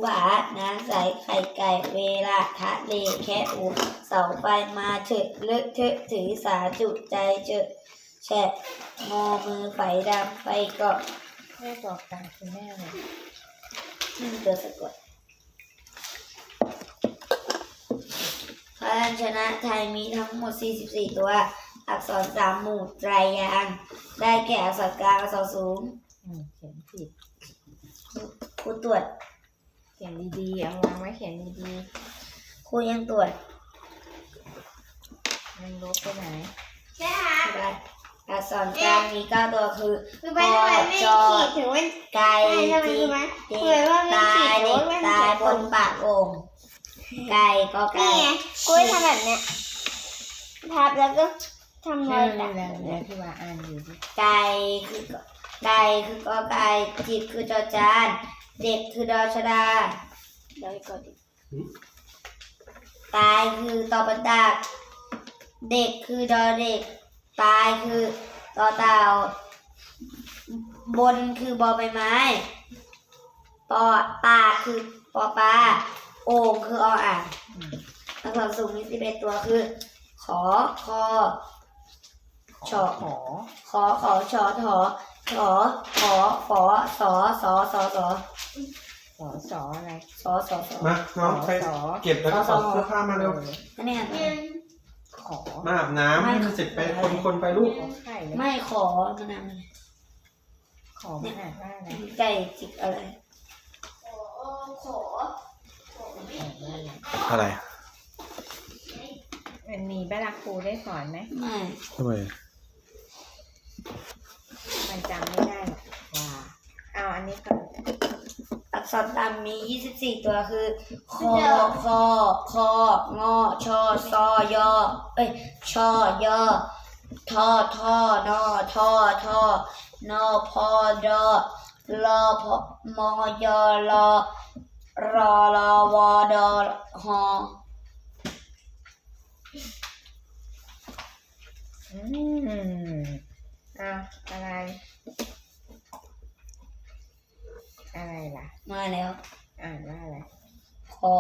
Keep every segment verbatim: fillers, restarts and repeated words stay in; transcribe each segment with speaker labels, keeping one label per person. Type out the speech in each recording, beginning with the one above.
Speaker 1: ผาน้ำใสไข่ไก่เวลาทะเลแค่อูเสาไฟมาเฉดเลอะเทอะถือสาจุใจเจอแฉะงอมือไฟดำไฟเกาะ
Speaker 2: แม่บอกตามคุณแม่เลย
Speaker 1: นี่ตัวสะกดพยัญชนะไทยมีทั้งหมดสี่สิบสี่ตัวอักษรสามหมู่ไตรยางค์ได้แก่อักษรกลางอักษรสูง
Speaker 2: อืมเขียนผิด
Speaker 1: ครูตรวจ
Speaker 2: เขียนดีๆเอาวางไว้เขียนดี
Speaker 1: ๆครูยังตรวจ
Speaker 2: มันลบไปไหน
Speaker 3: ใช่ค่ะ
Speaker 1: อักษรกลางมีเก้าตัวคือ
Speaker 3: ปอจอถึงว่า
Speaker 1: ไก่จิกเด็กตายเด็กตายบนปากโอ่งไก่ก็ไก่
Speaker 3: นี่ไงกูทำแบบเนี้ยทับแล้วก็ทำรอยแบ
Speaker 2: แล้วแล้วที่ว่าอ่านอยู่ดิ
Speaker 1: ไก่คือไก่คือกอไก่จิกคือจอจานเด็กคือดอชดาเดี๋ยวก่อนดิตายคือตอบันดาเด็กคือดอเด็กตายคือตอเต่าบนคือบอใบไม้ปอปาคือปอปลาโอ่งคือออ่างอักษรสูงมีสิบเอ็ดตัวคือขอคอชอ
Speaker 2: ขอ
Speaker 1: ขอขอชอถอขอขอฝอสอสอสอสอ
Speaker 2: สอสออะไร
Speaker 1: สอสอสอ
Speaker 4: มาน้องไปเก็บแล้วก็ถอดเสื้อผ้ามาเร็ว
Speaker 1: นี่
Speaker 2: ขอ
Speaker 4: มาอาบน้ำให้มันเสร็จไปคนคนไปลูก
Speaker 1: ไม่ขอมันนั่น
Speaker 2: ขอมันอ่านว่าอะไร
Speaker 1: ไก่จิกอะไร
Speaker 3: ขอ
Speaker 4: อะไร
Speaker 2: มันมีบ้านครูได้สอนไหม
Speaker 1: ไม่
Speaker 4: ทำไม
Speaker 2: มันจำไม่ได้หรอกว่าเอาอันนี้ก่อน
Speaker 1: อักษรตามมียี่สิบสี่ตัวคือคอคอคองอชอซอยอเอ้ยชอยอทอทอนอทอทอนอพอดอลอพอมอยอลอรอรอวอดอหอ
Speaker 2: อืมอ่ะอะไรอะไรล่ะ
Speaker 1: มาแล้ว
Speaker 2: อ่านว่าอะไร
Speaker 1: คอ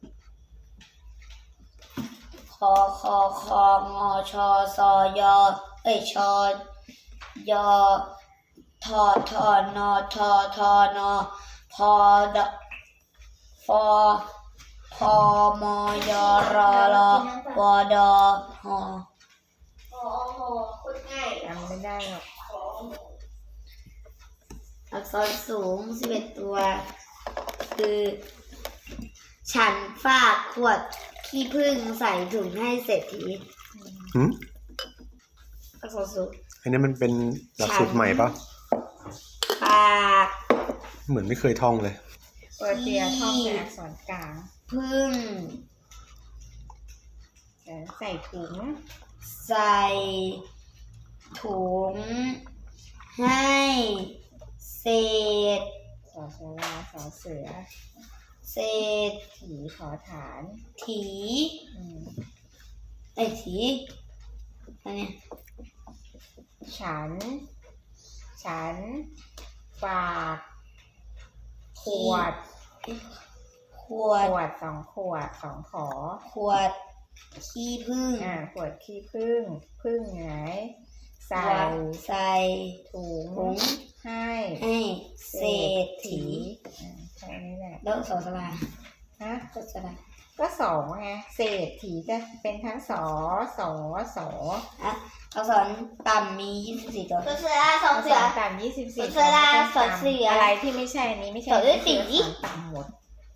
Speaker 1: คอคอคองอชอซอยอเอ้ยชอยอทอทอนอทอทอนอพอดฟอพอมอยอรอรอวอดอหอ
Speaker 3: โอ้โหคุณง่าย
Speaker 2: จำไม่ได้หรอก
Speaker 1: อักษรสูงสิบเอ็ดตัวคือฉันฝากขวดขี้ผึ้งใส่ถุงให้เศรษฐี
Speaker 4: หืม
Speaker 1: อักษรสูง
Speaker 4: อันนี้มันเป็นหลักสูตรใหม่ปะ
Speaker 1: ฝาก
Speaker 4: เหมือนไม่เคยท่องเลย
Speaker 2: เปิดเตียท่องเป็นอักษรกลาง
Speaker 1: พึ่ง
Speaker 2: ใส่ถุง
Speaker 1: ใส่ถุงให้เศษ
Speaker 2: สอสลาสอเสือ
Speaker 1: เศษ
Speaker 2: ถีขอฐาน
Speaker 1: ถีไอ้ถีอันนี้
Speaker 2: ฉันฉันฝากขวด
Speaker 1: ขวด
Speaker 2: ขวดสองขวดสองขอ
Speaker 1: ขวดขี้ผึ้ง
Speaker 2: อ่าขวดขี้ผึ้งผึ้งไหนใส่
Speaker 1: ใส่
Speaker 2: ถุงให้
Speaker 1: ให้เศรษฐี
Speaker 2: แค่นี้แหละ
Speaker 1: แล้วสอสลา
Speaker 2: ฮะ
Speaker 1: ก็สลา
Speaker 2: ก็สองไงเศรษฐีจะเป็นทั้งสอสอสอ
Speaker 1: อ่ะอักษรต่ำมียี่สิบสี่ตัว
Speaker 3: สอเสือสอเสือ
Speaker 2: ต่ำยี่สิบสี่
Speaker 3: สอเสือสอเสือ
Speaker 2: อะไรที่ไม่ใช่นี้ไม่ใช่
Speaker 3: สอสี
Speaker 2: ต่ำหมด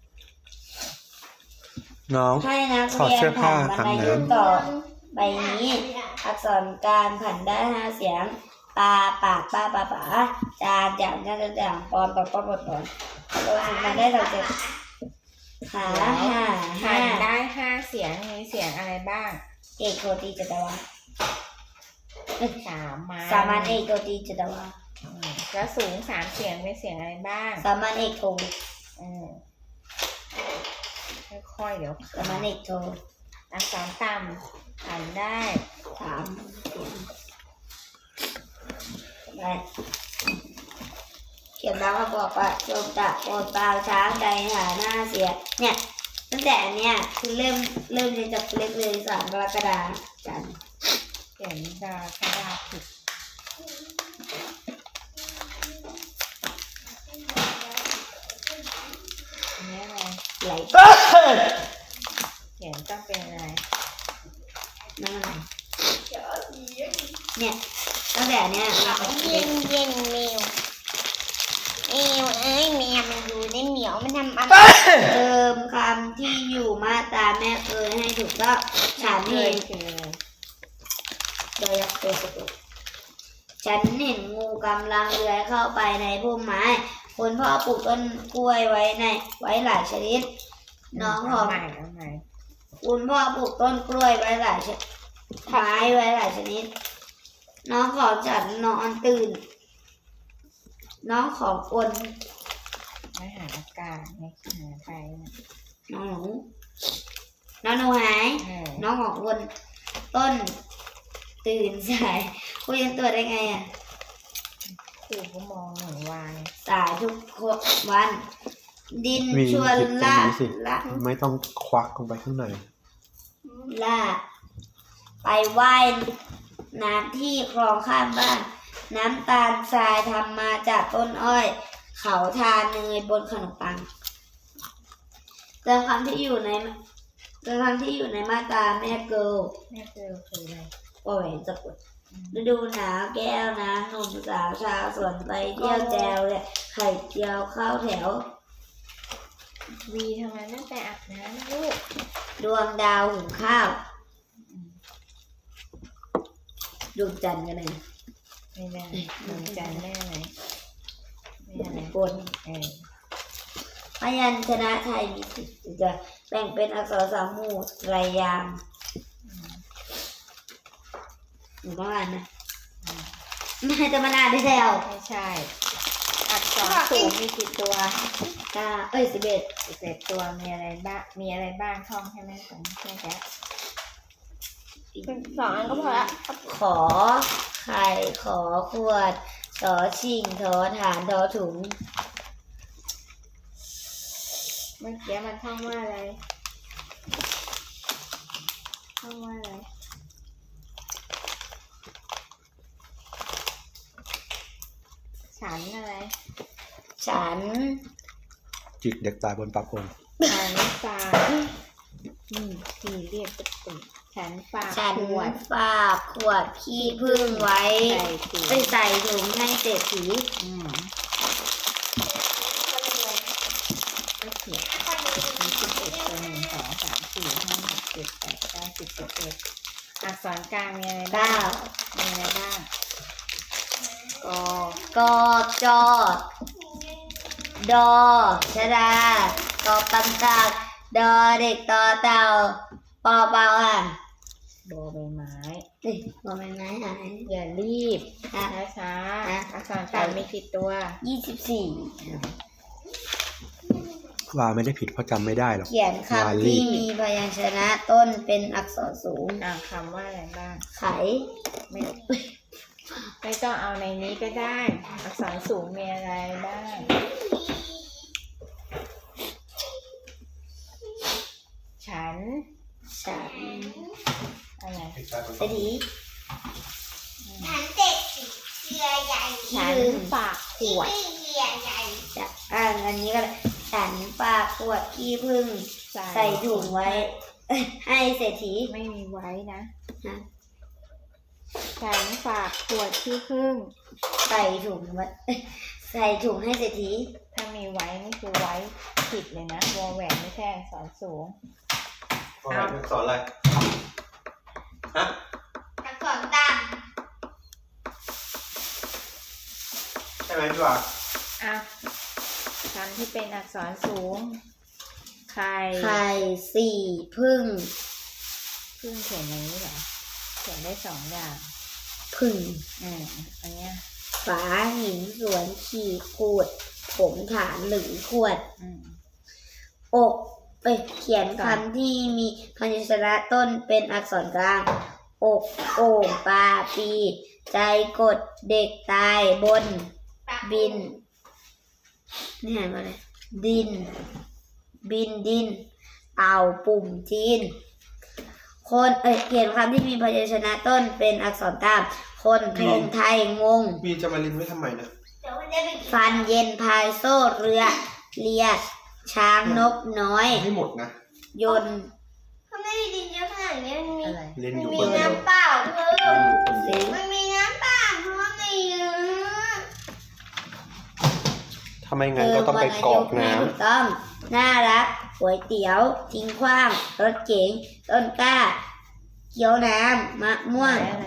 Speaker 4: น้อง
Speaker 1: ให้นักเรียนผ่านบันไดยื่นต่อใบนี้อักษรกลางผันได้ห้าเสียงปาปากป้าปาป๋าจานจางจานจางปอนปอนปอนปอนปอนตัวสุดมาได้เราจะหาห้า
Speaker 2: หันได้ห้าเสียงมีเสียงอะไรบ้าง
Speaker 1: เอกโทตีจัตวา
Speaker 2: สามมา
Speaker 1: สามัญเอกโทตีจัตวา
Speaker 2: แล้วสูงสามเสียงมีเสียงอะไรบ้าง
Speaker 1: สามัญเอกโท
Speaker 2: ค่อยๆเดี๋ยว
Speaker 1: สามัญเอกโท
Speaker 2: อักษรต่ำหันได้
Speaker 1: สามเสียงได้ขียนบางคำบอกว่าจมตะโอนปางช้างใจหาหน้าเสียเนี่ยตั้งแต่อันเนี้ยคือเริ่มเริ่มเรียนจากเล็กเลยสามกรกฎาคมจันทร์
Speaker 2: เขียนดาคดาผิดอันนี้อะไร
Speaker 1: ไหล
Speaker 2: เขียนต้องเป็นอะไร
Speaker 1: นั่นอะไรเนี่ยตั้งแต่อันเนี้ยเราก็
Speaker 3: เย็นเย็นแมวแมวเอ้ยแมวมันอยู่ในเหมียวมันทำอะไร
Speaker 1: เติมคำที่อยู่มาตราแม่เคยให้ถูกต้องฉัน
Speaker 2: เค
Speaker 1: เห็
Speaker 2: ย
Speaker 1: น
Speaker 2: คืออะไร
Speaker 1: โดยยักษ์ตัวสะกดฉันเห็นงูกำลังเลื้อยเข้าไปในพุ่มไม้คุณพ่อปลูกต้นกล้วยไว้ในไว้หลายชนิด น้องของ
Speaker 2: เาใหม่เอาใหม่
Speaker 1: คุณพ่อปลูกต้นกล้วยไว้หลายชนิดไม้ไว้หลายชนิด น้องของฉันนอนตื่น น้องของคน
Speaker 2: ไม่หาอากาศไม่หาไทยนะ
Speaker 1: น้องหนูน้องหนูหาย
Speaker 2: เออ
Speaker 1: น้องของคนต้นตื่นสายคุยกันตัวได้ไงอ่ะ
Speaker 2: ครูก็มองหนูวาย
Speaker 1: สายทุกวัน ดิน
Speaker 4: วี
Speaker 1: ชวน
Speaker 4: ผิดตรง
Speaker 1: ล่า
Speaker 4: นี้สิ
Speaker 1: ละ
Speaker 4: ไม่ต้องควักลงไปข้างใน
Speaker 1: ล่าไปว่ายน้ำที่คลองข้างบ้าน น้ำตาลทรายทำมาจากต้นอ้อย เขาทาเนยบนขนมปังเติมคำที่อยู่ในเติมคำที่อยู่ในมาตราแม่เกิล
Speaker 2: แม่เจอคืออะไร
Speaker 1: โอ้ยสะกดฤดูหนาวแก้วน้ำหนุ่มสาวชาวสวนไปเที่ยวแจวเลยไข่เจียวข้าวแถว
Speaker 2: วีทำไมไม่ไปอาบน้ำลูก
Speaker 1: ดวงดาวหุงข้าวดวงจันทร์กันเลย
Speaker 2: ไม่ได้หนูจันแม่ไหนแม่อะไร
Speaker 1: บน
Speaker 2: เออ
Speaker 1: พยัญชนะไทยมีสิบจะแบ่งเป็นอักษรสามหมู่ไรยางค์หนูต้องอ่านนะไม่จะมาอ่านได้แล้ว
Speaker 2: ไม่ใช่ อักษรสูงมีกี่ตัว
Speaker 1: เก้าเอ้ยสิบเอ็ด
Speaker 2: สิบเอ็ดตัวมีอะไรบ้างมีอะไรบ้างท่องใช่ไหมผมแค่แค่
Speaker 3: สองอันก็พอละ
Speaker 1: ขอไข่ขอขวดสอชิงทอฐานทอถุง
Speaker 2: เมื่อกี้มันท่องว่าอะไรท่องว่าอะไรฉันอะไร
Speaker 1: ฉัน
Speaker 4: จิกเด็กตายบนปากโอง
Speaker 2: ฉันฝากนี่ที่เรียกตุ๊กตุ๊กฉันฝาก
Speaker 1: ฉัน
Speaker 2: ขวด
Speaker 1: ฝากขวดขี้พึ่งไว้
Speaker 2: ใส่ถุง
Speaker 1: ไปใส่ถุงให้เศรษฐี
Speaker 2: อืมก็เขียนมีสิบเอ็ดตัวหนึ่งสองสามสี่ห้าหกเจ็ดแปดเก้าสิบสิบเอ็ดอักษรกลางมีอะไรบ้า
Speaker 1: เก้าง
Speaker 2: มีอะไรบ้างกอก
Speaker 1: อจอดอชดากอปันตากดอเด็กต่อเต่าปอเปล่าอ่ะ
Speaker 2: โบใบไม้
Speaker 1: เอ้ยบอเป็นไม้หาย
Speaker 2: อย่ารีบ
Speaker 1: อ่ะ
Speaker 2: ช้าช้าๆ
Speaker 1: อ่ะ
Speaker 2: อักษรกลางมีกี่ตัว
Speaker 1: ยี่สิบสี่
Speaker 4: ว่าไม่ได้ผิดเพราะจำไม่ได้หรอก
Speaker 1: เขียน
Speaker 4: วา
Speaker 1: คำ
Speaker 4: ลี
Speaker 1: ที่มีพยัญชนะต้นเป็นอักษรสูง
Speaker 2: อ่าคำว่าอะไรบ้าง
Speaker 1: ไข
Speaker 2: ไม่ไม่ต้องเอาในนี้ก็ได้ อักษรสูงมีอะไรบ้างฉัน
Speaker 1: ฉัน
Speaker 2: อะไร
Speaker 1: เศรษฐี
Speaker 3: ฉันเด็กเสือใหญ่
Speaker 2: ฉันฝากขวด
Speaker 3: เสือใหญ่
Speaker 1: จะอ่านอันนี้ก็ได้ฉันฝากขวดขี้ผึ้งใส่ถุงไว้ ให้เศรษฐี
Speaker 2: ไม่มีไว้นะ
Speaker 1: นะ
Speaker 2: ฉันฝากขวดที่พึ่ง
Speaker 1: ใส่ถุงไว้ ใส่ถุงให้เศรษฐี
Speaker 2: ถ้ามีไว้นี่คือไว้ผิดเลยนะวอแหวนไม่ใช่อักษรสูง
Speaker 4: สอนอะไร ฮะ
Speaker 3: อักษรต่าง
Speaker 4: ใช่ไหมพี่ว่า
Speaker 2: อ่ะคำที่เป็นอักษรสูงใคร
Speaker 1: ไข่สี่พึ่ง
Speaker 2: พึ่งเขียนอย่างนี้เหรอเขียนได้สองอย่าง
Speaker 1: พึ่ง
Speaker 2: อืมอันเนี้ย
Speaker 1: ฝาหินสวนขีดขูด ผมฐานหรือขวด
Speaker 2: อืม
Speaker 1: อกเอ้ยเขียนคำที่มีพยัญชนะต้นเป็นอักษรกลาง อกโอ่งปลาปี ใจกดเด็กตายบน บินนี่อ่านว่าอะไรดิน บินดิน เต่าปุ่มจีน คนเอ้ยเขียนคำที่มีพยัญชนะต้นเป็นอักษรตาม คนธงไทยงง
Speaker 4: มีจะมาลินไว้ทำไมนะ
Speaker 3: เดี๋ยวมันจะไปกิน
Speaker 1: ฟันเย็นพายโซ่เรือ เลียช้างนกน้อย
Speaker 4: ให้หมดนะ
Speaker 1: ยนต์
Speaker 3: เขาไม่ได้ดินเยอะขนาดนี้มันมี
Speaker 2: อะไร
Speaker 4: เล่น
Speaker 3: มั
Speaker 4: อน ยู่
Speaker 3: มี
Speaker 4: คนเดียว
Speaker 3: น้ำเปล่าเพิ่
Speaker 4: เล่
Speaker 3: ม
Speaker 4: นอยู่คนเดี
Speaker 1: สิ
Speaker 4: ยว
Speaker 1: ง
Speaker 3: มันมีน้ำเปล่าเพิ่มในเยอะ
Speaker 4: ทำไมงั้นก็ต้องไปกรอกน้
Speaker 1: ถูกต้อง น่ารักก๋วยเตี๋ยว ทิ้งขว้าง รถเก๋ง ต้นกล้า เกี๊ยวน้ำ มะม่วง
Speaker 2: อะไร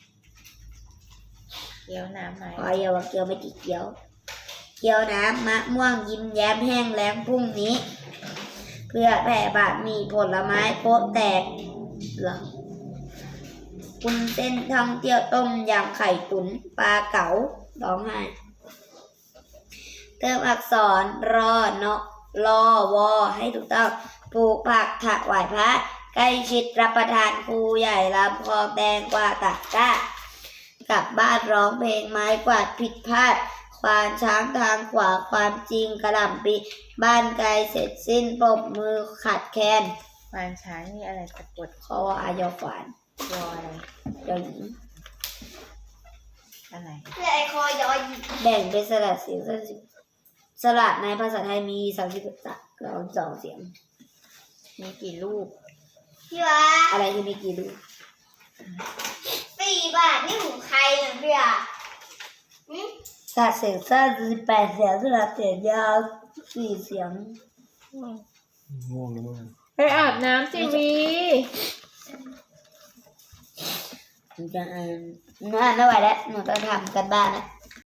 Speaker 2: เกี๊ยวน้ำไหม
Speaker 1: ขออย่าว่าเกี๊ยวไม่ติดเกี๊ยว เกี๊ยวน้ำ มะม่วง ยิ้มแย้มแห้งแล้งพรุ่งนี้ เพื่อแผ่บาทมีผลไม้โป๊ะแตกเหรอคุณเส้นท่องเที่ยวต้มยำไข่ตุ๋นปลาเก๋าร้องไห้เติมอักษรรอเนาะรอวอให้ถูกต้องปลูกผักถวายพระใกล้ชิดรับประทานครูใหญ่ลำคลองแดงกว่าตักก้ากลับบ้านร้องเพลงไม้กวาดผิดพลาดควานช้างทางขวาความจริงกระหล่ำปีบ้านไกลเสร็จสิ้นปรบมือขัดแคน
Speaker 2: ควานช้างนี่อะไรสะกด
Speaker 1: คออายอขวาน
Speaker 2: ยออะไร
Speaker 1: ยอหญิง
Speaker 2: อะไร
Speaker 3: เพื่อไอคอยอหยิบ
Speaker 1: แบ่งเป็นสระเสียงสระสระในภาษาไทยมีสามสิบสองสองเสียง
Speaker 2: มีกี่รูป
Speaker 3: พี่วะ
Speaker 1: อะไรที่มีกี่รูป
Speaker 3: สี่บาทนี่ของใครเนี่ยพี่อ่ะหืม
Speaker 1: สระเสียงสั้นสิบแปดเสียงสระเสียงยาวสี่เสียง
Speaker 4: ำง่วงแล้วมั้ง
Speaker 2: ไปอาบน้ำสิวี
Speaker 1: หนูจะอ่านหนูอ่านไม่ไหวแล้วหนูต้องทำกันบ้านนะ